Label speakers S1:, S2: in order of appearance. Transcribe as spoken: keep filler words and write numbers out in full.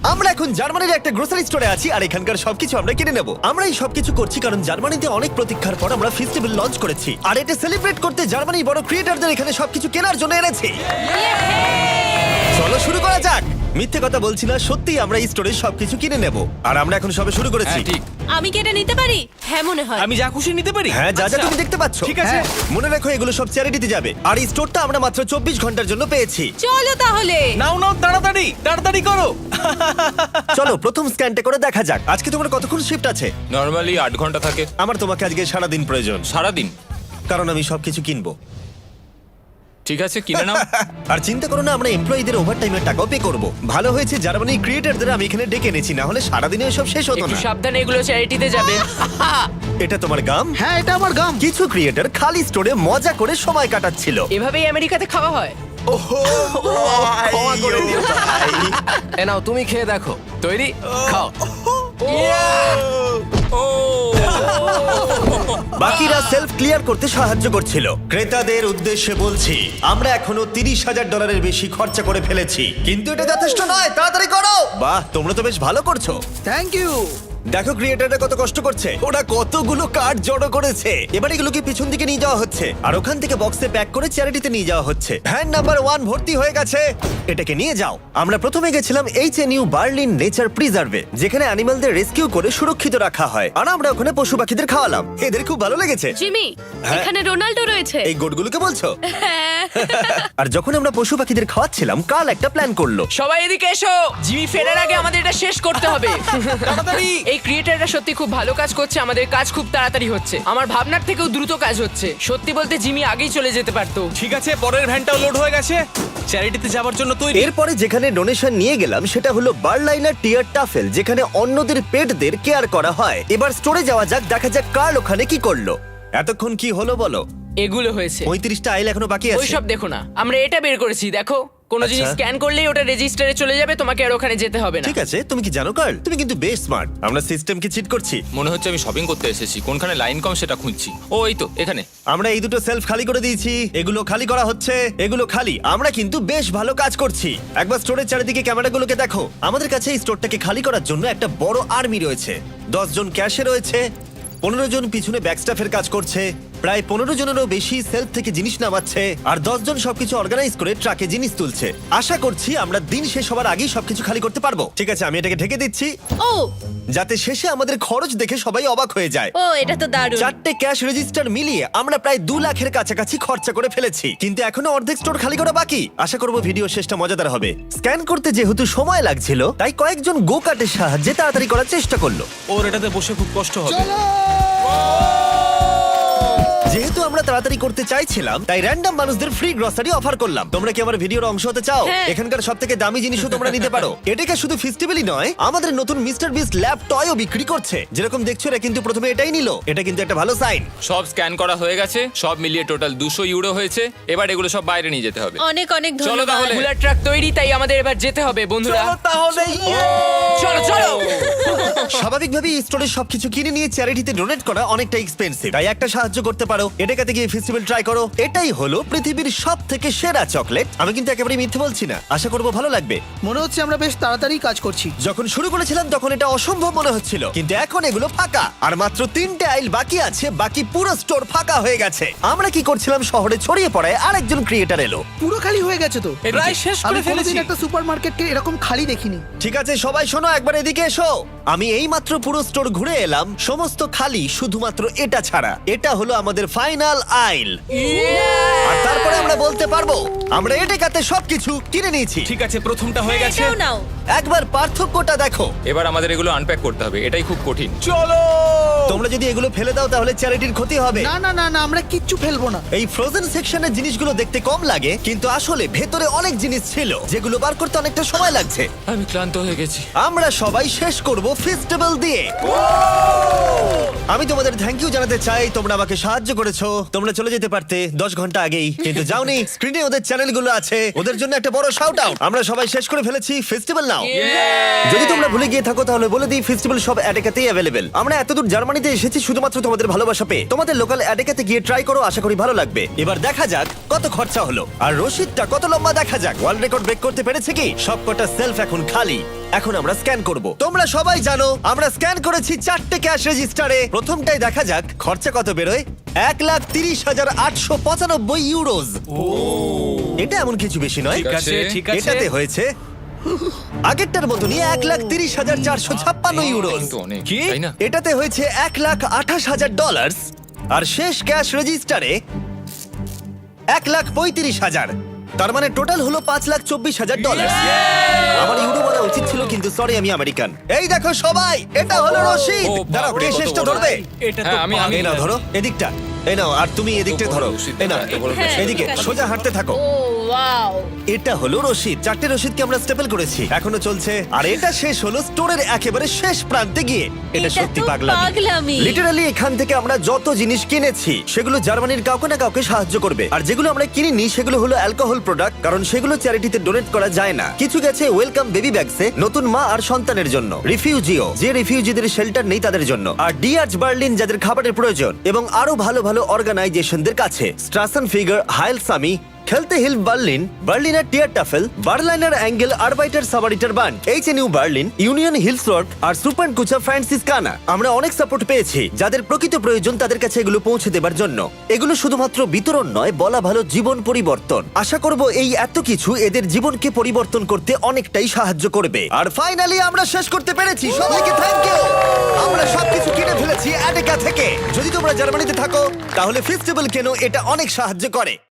S1: আমরা এখন জার্মানির একটা গ্রোসারি স্টোরে আছি আর এখানকার সবকিছু আমরা কিনে নেব। আমরা এই সবকিছু করছি কারণ জার্মানিতে অনেক প্রতীক্ষার পর আমরা ফেস্টিভ্যাল লঞ্চ করেছি, আর এটা সেলিব্রেট করতে জার্মানির বড় ক্রিয়েটরদের এখানে সবকিছু কেনার জন্য এনেছি। চলো শুরু করা যাক। মিথ্যে কথা বলছি না, সত্যি আমরা এই স্টোরে সবকিছু কিনে নেব, আর আমরা এখন সবে শুরু করেছি।
S2: হ্যাঁ, ঠিক।
S3: আমি কি এটা নিতে পারি? হ্যাঁ মনে হয়।
S2: আমি যা খুশি নিতে পারি?
S1: হ্যাঁ, যা যা
S2: আচ্ছা।
S1: তুমি দেখতে পাচ্ছ।
S2: ঠিক আছে।
S1: হ্যাঁ, মনে রাখো এগুলো সব চ্যারিটিতে যাবে, আর এই স্টোরটা আমরা মাত্র চব্বিশ ঘন্টার জন্য পেয়েছি।
S3: চলো তাহলে।
S2: নাও নাও, তাড়াতাড়ি তাড়াতাড়ি করো।
S1: চলো প্রথম স্ক্যানটা করে দেখা যাক। আজকে তোমার কতক্ষণ শিফট আছে?
S4: নর্মালি আট ঘন্টা থাকে।
S1: আমার তোমাকে আজকে সারা দিন প্রয়োজন,
S4: সারাদিন?
S1: কারণ আমি সবকিছু কিনবো।
S4: ঠিক আছে, কিনে নাও।
S1: আর চিন্তা করো না, আমরা এমপ্লয়ীদের ওভারটাইমের টাকাও পে করব। ভালো হয়েছে জার্মানির ক্রিয়েটরদের আমি এখানে ডেকে এনেছি, না হলে সারাদিনে সব শেষ হতো
S5: একটু
S1: না।
S5: সাবধানে, এগুলো চ্যারিটিতে যাবে।
S1: এটা তোমার গাম?
S6: হ্যাঁ, এটা আমার গাম।
S1: কিছু ক্রিয়েটর খালি স্টোরে মজা করে সময় কাটাচ্ছিল।
S5: এভাবেই আমেরিকাতে খাওয়া হয়।
S1: ক্ষমা করে দিও ভাই।
S5: এ নাও, তুমি খেয়ে দেখো। তৈরি? খাও।
S4: ও
S1: বাকিরা সেলফ ক্লিয়ার করতে সাহায্য করছিল। ক্রেতাদের উদ্দেশ্যে বলছি, আমরা এখনো তিরিশ হাজার ডলারের বেশি খরচা করে ফেলেছি, কিন্তু এটা যথেষ্ট নয়। তাড়াতাড়ি করো। বাহ, তোমরা তো বেশ ভালো করছো।
S6: Thank you.
S1: দেখো ক্রিয়েটাররা কত কষ্ট করছে, ওরা কতগুলো কার্ড জড়ো করেছে। এবার এগুলোকে পিছন দিকে নিয়ে যাওয়া হচ্ছে, আর ওখান থেকে বক্সে প্যাক করে চ্যারিটিতে নিয়ে যাওয়া হচ্ছে। ভ্যান নাম্বার ওয়ান ভর্তি হয়ে গেছে, এটাকে নিয়ে যাও। আমরা প্রথমে গেছিলাম H N U Berlin nature প্রিজার্ভে, যেখানে অ্যানিমালদের রেস্কিউ করে সুরক্ষিত রাখা হয়, আর আমরা ওখানে পশু পাখিদের খাওয়ালাম। এদের খুব ভালো লেগেছে।
S3: জিমি,
S1: হ্যাঁ।
S3: এখানে রোনাল্ডো রয়েছে।
S1: এই গোটগুলোকে বলছো?
S3: হ্যাঁ।
S1: আর যখন আমরা পশু পাখিদের খাওয়াচ্ছিলাম, কাল একটা প্ল্যান করলো।
S5: সবাই এদিকে এসো। জিমি ফেরার আগে আমাদের এটা শেষ করতে হবে।
S2: তাড়াতাড়ি।
S5: এই ক্রিয়েটাররা সত্যি খুব ভালো কাজ করছে, আমাদের কাজ খুব তাড়াতাড়ি হচ্ছে। আমার ভাবনার থেকেও দ্রুত কাজ হচ্ছে। সত্যি বলতে জিমি আগেই চলে যেতে পারতো।
S2: ঠিক আছে, পরের ভ্যানটাও লোড হয়ে গেছে। চ্যারিটিতে যাওয়ার জন্য তৈরি।
S1: এরপরে যেখানে ডোনেশন নিয়ে গেলাম সেটা হলো বার্লাইনার টিয়ার টাফেল, যেখানে অন্যদের পেটদের কেয়ার করা হয়। এবার স্টোরে যাওয়া যাক, দেখা যাক কার্ল ওখানে কি করলো। এতক্ষণ কি হলো বলো?
S5: এগুলো হয়েছে।
S1: পঁয়ত্রিশটা আইল এখনো বাকি আছে।
S5: ওইসব দেখো না, আমরা এটা বের করেছি। দেখো, কোনো
S1: আচ্ছা।
S5: জিনিস স্ক্যান করলেই ওটা রেজিস্টারে চলে যাবে, তোমাকে আর ওখানে যেতে হবে না।
S1: ঠিক আছে, তুমি কি জানো কার্ল, তুমি কিন্তু বেশ স্মার্ট। আমরা সিস্টেমকে চিট করছি।
S4: মনে হচ্ছে আমি শপিং করতে এসেছি, কোনখানে লাইন কম সেটা খুঁজছি। ও এই তো এখানে।
S1: আমরা এই দুটো সেলফ খালি করে দিয়েছি, এগুলো খালি করা হচ্ছে, এগুলো খালি। আমরা কিন্তু বেশ ভালো কাজ করছি। একবার স্টোরের চারিদিকে ক্যামেরাগুলোকে দেখো। আমাদের কাছে এই স্টোরটাকে খালি করার জন্য একটা বড় আর্মি রয়েছে। দশ জন ক্যাশে রয়েছে, পনেরো জন পিছনে ব্যাকস্টাফের কাজ করছে, প্রায় পনেরো জনেরও বেশি সেলফ থেকে জিনিস নামাচ্ছে, আর দশ জন সবকিছু অর্গানাইজ করে ট্রাকে জিনিস তুলছে। আশা করছি আমরা দিন শেষ হওয়ার আগেই সবকিছু খালি করতে পারবো। ঠিক আছে, আমি এটাকে ঢেকে দিচ্ছি,
S3: ও
S1: যাতে শেষে আমাদের খরচ দেখে সবাই অবাক হয়ে যায়।
S3: ও এটা তো দারুণ।
S1: চারটে ক্যাশ রেজিস্টার মিলিয়ে আমরা প্রায় দু লাখের কাছাকাছি খরচা করে ফেলেছি, কিন্তু এখনো অর্ধেক স্টোর খালি করা বাকি। আশা করবো ভিডিও শেষটা মজাদার হবে। স্ক্যান করতে যেহেতু সময় লাগছিল, তাই কয়েকজন গো কার্টের সাহায্যে তাড়াতাড়ি করার চেষ্টা করলো।
S2: ওর এটাতে বসে খুব কষ্ট হবে।
S1: যেহেতু আমরা তাড়াতাড়ি করতে চাইছিলাম, তাই র্যান্ডম মানুষদের ফ্রি গ্রসারি অফার করলাম। তোমরা কি আমার ভিডিওর অংশ হতে চাও?
S3: হ্যাঁ।
S1: এখানকার সব থেকে দামি জিনিসও তোমরা নিতে পারো। এটাকে শুধু ফেস্টিভ্যালই নয়, আমাদের নতুন মিস্টার বিস্ট ল্যাব টয়ও বিক্রি করছে। যেরকম দেখছো, এরা কিন্তু প্রথমে এটাই নিল। এটা কিন্তু একটা ভালো সাইন।
S4: সব স্ক্যান করা হয়ে গেছে, সব মিলিয়ে টোটাল দুশো ইউরো হয়েছে। এবার এগুলো সব বাইরে নিয়ে যেতে হবে।
S3: অনেক অনেক
S4: চলো
S3: ধন্যবাদ।
S4: তাহলে।
S5: বুলার ট্রাক তৈরি, তাই আমাদের এবার যেতে হবে বন্ধুরা।
S2: চলো তাহলে।
S5: চলো চলো।
S1: স্বাভাবিকভাবেই স্টোরের সবকিছু কিনে নিয়ে চ্যারিটিতে ডোনেট করা অনেকটা এক্সপেন্সিভ, তাই একটা সাহায্য করতে পারো। এটাতে গিয়ে ফেস্টিভ্যাল ট্রাই করো। এটাই হলো পৃথিবীর সব থেকে সেরা চকলেট। আমি কিন্তু একেবারে মিথ্যে বলছি না, আশা করবো ভালো লাগবে।
S6: মনে হচ্ছে আমরা বেশ তাড়াতাড়ি কাজ করছি।
S1: যখন শুরু করেছিলাম তখন এটা অসম্ভব মনে হচ্ছিল, কিন্তু এখন এগুলো ফাঁকা, আর মাত্র তিনটে আইল বাকি আছে। বাকি পুরো স্টোর ফাঁকা হয়ে গেছে। আমরা কি করছিলাম, শহরে ছড়িয়ে পড়ায় আরেকজন ক্রিয়েটার এলো।
S6: পুরো খালি হয়ে গেছে তো।
S2: প্রায় শেষ
S6: আমি
S2: করে ফেলেছি।
S6: কোনোদিন একটা সুপারমার্কেটকে এরকম খালি দেখিনি।
S1: ঠিক আছে সবাই শোনো, একবার এদিকে এসো। আমি এই মাত্র পুরো স্টোর ঘুরে এলাম, সমস্ত খালি, শুধুমাত্র এটা ছাড়া। এটা হলো আমাদের ফাইনাল আইল, আর তারপরে আমরা বলতে পারবো আমরা এটাতে সবকিছু কিনে নিয়েছি।
S2: ঠিক আছে, প্রথমটা হয়ে গেছে।
S3: এটাও নাও।
S1: একবার পার্থক্যটা দেখো।
S4: এবার আমাদের এগুলো আনপ্যাক করতে হবে, এটাই খুব কঠিন।
S2: চলো।
S1: তোমরা যদি এগুলো ফেলে দাও তাহলে চ্যারিটির ক্ষতি হবে।
S6: না না না না, আমরা কিচ্ছু ফেলবো না।
S1: এই ফ্রোজেন সেকশনের জিনিসগুলো দেখতে কম লাগে, কিন্তু আসলে ভেতরে অনেক জিনিস ছিল যেগুলো বার করতে অনেকটা সময় লাগছে।
S4: আমি ক্লান্ত হয়ে গেছি।
S1: আমরা সবাই শেষ করব ফেস্টিভ্যাল দিয়ে। আমি তোমাদের থ্যাংক ইউ জানাতে চাই, তোমরা আমাকে সাহায্য করেছো। তোমরা চলে যেতে পারতে দশ ঘন্টা আগেই, কিন্তু যাওনি। স্ক্রিনে ওদের চ্যানেলগুলো আছে, ওদের জন্য একটা বড় শাউট আউট। আমরা সবাই শেষ করে ফেলেছি ফেস্টিভ্যাল নাও। যদি তোমরা ভুলে গিয়ে থাকো তাহলে বলে দিই, ফেস্টিভ্যাল সব অ্যাডেকাতেই অ্যাভেলেবেল। আমরা এতদূর জার্মানিতে এসেছি শুধুমাত্র তোমাদের ভালোবাসা পেয়ে। তোমাদের লোকাল অ্যাডেকাতে গিয়ে ট্রাই করো, আশা করি ভালো লাগবে। এবার দেখা যাক কত খরচা হলো, আর রসিদটা কত লম্বা দেখা যাক। ওয়ার্ল্ড রেকর্ড ব্রেক করতে পেরেছে কি? সবকটা সেলফ এখন খালি। এখন আমরা স্ক্যান করব তোমরা সবাই জানো আমরা স্ক্যান করেছি চারটে ক্যাশ রেজিস্টারে প্রথমটাই দেখা যাক খরচা কত বেরোয় এক লাখ তিরিশ হাজার আটশো পঁচানব্বই ইউরোজ এটা এমন কিছু বেশি নয়
S2: ঠিক আছে ঠিক আছে
S1: এটাতে হয়েছে আগেরটার মতনই এক লাখ তিরিশ হাজার চারশো ছাপ্পান্ন ইউরোজ
S4: কিন্তু অনেক
S2: কি?
S4: তাই না?
S1: এটাতে হয়েছে এক লাখ আঠাশ হাজার ডলার আর শেষ ক্যাশ রেজিস্টারে এক লাখ পঁয়ত্রিশ হাজার তার মানে টোটাল হলো পাঁচ লাখ চব্বিশ হাজার ডলার আমার ইউরো বলা উচিত ছিল কিন্তু সরি আমি আমেরিকান এই দেখো সবাই এটা হলো রশিদ
S4: ও,
S1: দাঁড়াও
S4: বাপরে,
S1: কে
S4: কত
S1: শেষটা
S4: বড়।
S1: ধরবে
S2: এটা তো
S4: হ্যাঁ, আমি- আমি-
S1: এই নাও ধরো এদিকটা এই নাও আর তুমি এদিকটা
S4: বড়
S1: ধরো
S4: রশিদ,
S1: এই নাও
S4: এত বড়
S3: হ্যাঁ,
S1: এদিকে
S3: ঠিক আছে।
S1: সোজা হাঁটতে থাকো
S3: ও ওয়াও
S1: এটা হলো রশিদ চারটে রশিদকে আমরা স্টেপল করেছি এখনো চলছে আর এটা শেষ হলো স্টোরের একেবারে শেষ প্রান্তে গিয়ে এটা
S3: এটা
S1: সত্যি
S3: তো
S1: পাগলামি
S3: পাগলামি।
S1: লিটারালি এখান থেকে আমরা যত জিনিস কিনেছি সেগুলো জার্মানির কাউকে না কাউকে সাহায্য করবে আর যেগুলো আমরা কিনিনি সেগুলো হলো অ্যালকোহল প্রোডাক্ট কারণ সেগুলো চ্যারিটিতে ডোনেট করা যায় না কিছু গেছে ওয়েলকাম বেবি ব্যাগসে নতুন মা আর সন্তানের জন্য রিফিউজিও যে রিফিউজিদের শেল্টার নেই তাদের জন্য আর ডিআরচ বার্লিন যাদের খাবারের প্রয়োজন এবং আরো ভালো ভালো অর্গানাইজেশনদের কাছে স্ট্রাসন ফিগার হাইল সামি খেলতে হিল বার্লিন বার্লিনার টিয়ার টাফেল বার্লাইনার অ্যাঙ্গেল আরবাইটার সাবারিটার বান্ড H N U Berlin union হিলসওয়ার্ক আর সুপার কুচা ফ্রান্সিস কানা আমরা অনেক সাপোর্ট পেয়েছি যাদের প্রকৃত প্রয়োজন তাদের কাছে এগুলো পৌঁছে দেবার জন্য এগুলো শুধুমাত্র বিতরণ নয় বলা ভালো জীবন পরিবর্তন আশা করব এই এত কিছু এদের জীবনকে পরিবর্তন করতে অনেকটাই সাহায্য করবে আর ফাইনালি আমরা শেষ করতে পেরেছি সবাইকে থ্যাংক ইউ আমরা সবকিছু কিনে ফেলেছি অ্যাডেকা থেকে যদি তোমরা জার্মানিতে থাকো তাহলে ফেস্টিভ্যাল কেন এটা অনেক সাহায্য করে